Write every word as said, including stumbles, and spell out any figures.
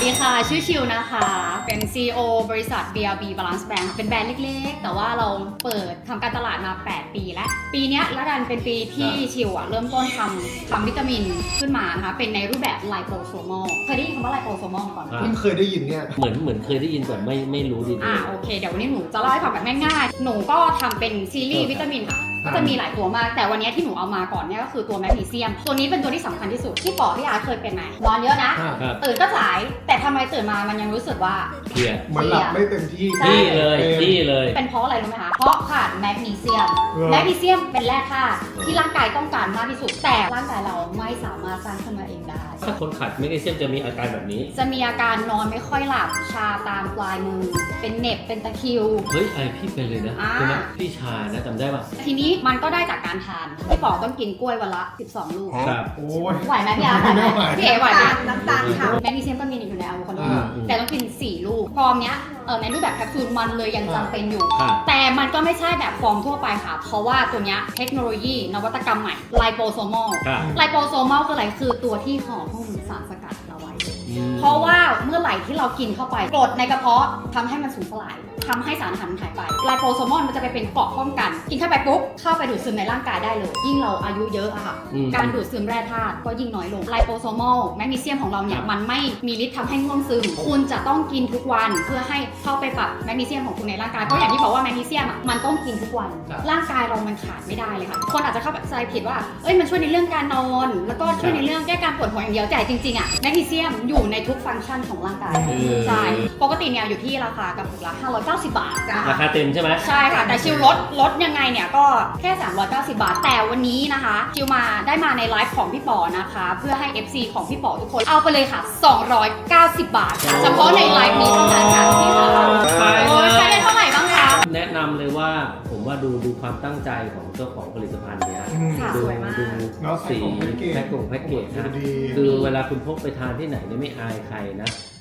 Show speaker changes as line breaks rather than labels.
ดีค่ะชื่อชิวนะคะเป็น ซี อี โอ บริษัท บี อาร์ บี Balance Bank เป็นแบรนด์เล็กๆแต่ว่าเราเปิดทำการตลาดมาแปดปีแล้วปีนี้ละกันเป็นปีที่ชิวอะเริ่มต้นทำทำวิตามินขึ้นมานะคะเป็นในรูปแบบไลโปโซมอลเคยได้ยินคำว่าไลโปโซมอลก่อนไหม
เพิ่งเคยได้ยินเนี่ย
เหมือนเหมือนเคยได้ยินแต่ไม่ไม่รู้ดี
อ่าโอเคเดี๋ยววันนี้หนูจะเล่าให้ฟังแบบง่ายๆหนูก็ทำเป็นซีรีส์วิตามินค่ะก็จะมีหลายตัวมากแต่วันนี้ที่หนูเอามาก่อนเนี่ยก็คือตัวแมกนีเซียมตัวนี้เป็นตัวที่สำคัญที่สุดที่ปอพี่อาร์เคยเป็นไหมนอนเยอะนะ
ครับ
ตื่นก็สายแต่ทำไมตื่นมามันยังรู้สึกว่า
เพลีย
เหมันหลับไม่เต็มที่
ใช่
ที่เลยที่เลย
เป็นเพราะอะไรรู้ไหมคะ เพราะขาดแมกนีเซียม
เออ
แมกนีเซียมเป็นแร่ธาตุที่ร่างกายต้องการมากที่สุด แต่ร่างกายเราไม่สามารถสร้างขึ้นมาเองได้
ถ้าคนขาดแมกนีเซียมจะมีอาการแบบนี้
จะมีอาการนอนไม่ค่อยหลับ ชาตามปลายมือ เป็นเหน็บ เป็นตะคริว
เฮ้ยไอพี่เป็นเลยนะ
อ่า
ใช่ไหมพี่ชานะจำได้ป่ะ
ทีนี้มันก็ได้จากการทาน พี่ป๋อต้องกินกล้วยวันละ สิบสอง ลูก
ครับ
โอ้ย
ไหวไหมพี่อาร์ไหวไหม
ไม่ไหว
พี่เอ๋ไหวไหม
น้ำตาลค่ะ
แมกนีเซียมก็มีอยู่ในอะโวคาโด
อ่า
แต่ต้องกิน สี่ ลูก ฟอร์มเนี้ยเออในรูปแบบแคปซูลมันเลยยังจำเป็นอยู่
ครับ
แต่มันก็ไม่ใช่แบบฟอร์มทั่วไปค่ะ เพราะว่าตัวเนี้ยเทคโนโลยีนวัตกรรมใหม่ไลโปโซมอล
ครับ
ไลโปโซมอลคืออะไรคือตัวที่ห่อหุ้มสารสกัดเราไว้
อืม
เพราะว่าเมื่อไหร่ที่เรากินเข้าไปกรดในกระเพาะทำให้มันสูญสลายทำให้สารอาหารมันหายไปไลโปโซมอลมันจะไปเป็นเกราะป้องกัน กินเข้าไปปุ๊บเข้าไปดูดซึมในร่างกายได้เลย ยิ่งเราอายุเยอะอะค่ะ
อืม
การดูดซึมแร่ธาตุก็ยิ่งน้อยลงไลโปโซมอลแมกนีเซียมของเราเนี่ย
ครับ
มันไม่มีฤทธิ์ทำให้ง่วงซึมคุณจะต้องกินทุกวันเพื่อให้เข้าไปปรับแมกนีเซียมของคุณในร่างกายเพราะอย่างที่บอกว่าแมกนีเซียมอะมันต้องกินทุกวัน
ครับ
ร่างกายเรามันขาดไม่ได้เลยค่ะคนอาจจะเข้าใจผิดว่าเอ้ยมันช่วยในเรื่องการนอนแล้วก็ช่วยในเรื่องแก้การปวดหัวอย่างเดียวแต่จริงๆอะแมกนีเซียมอยู่ในทุกฟังก์ชันของร่างกาย
เออ
ใช่ปกติเนี่ยอยู่ที่ราคากระปุกละห้าร้อยเก้าสิบบาท
จ้ะ
ราคาเต็มใช่ไหม
ใช่ค่ะ แต่ชิวลดลดยังไงเนี่ยก็แค่ สามร้อยเก้าสิบบาท แต่วันนี้นะคะชิวมาได้มาในไลฟ์ของพี่ป๋อนะคะ เพื่อให้ เอฟ ซี ของพี่ป๋อทุกคนเอาไปเลยค่ะ สองร้อยเก้าสิบบาทค่ะเฉพาะในไลฟ์นี้เท่านั้นค่ะพี่ค่ะ
ไป
โอ้ยใช้ได้เท่าไหร่บ้างคะ
แนะนำเลยว่าผมว่าดูดูความตั้งใจของเจ้าของผลิตภัณฑ์เนี้ย
อืม
ค่ะ
ดู
สวยมาก
ดู
เนาะ
สี
แพ็คกงแพ็คเกจ
แพ็คกงแพ็กเกจนะ
ดี
คือเวลาคุณพกไปทานที่ไหนเนี่ยไม่อายใครนะ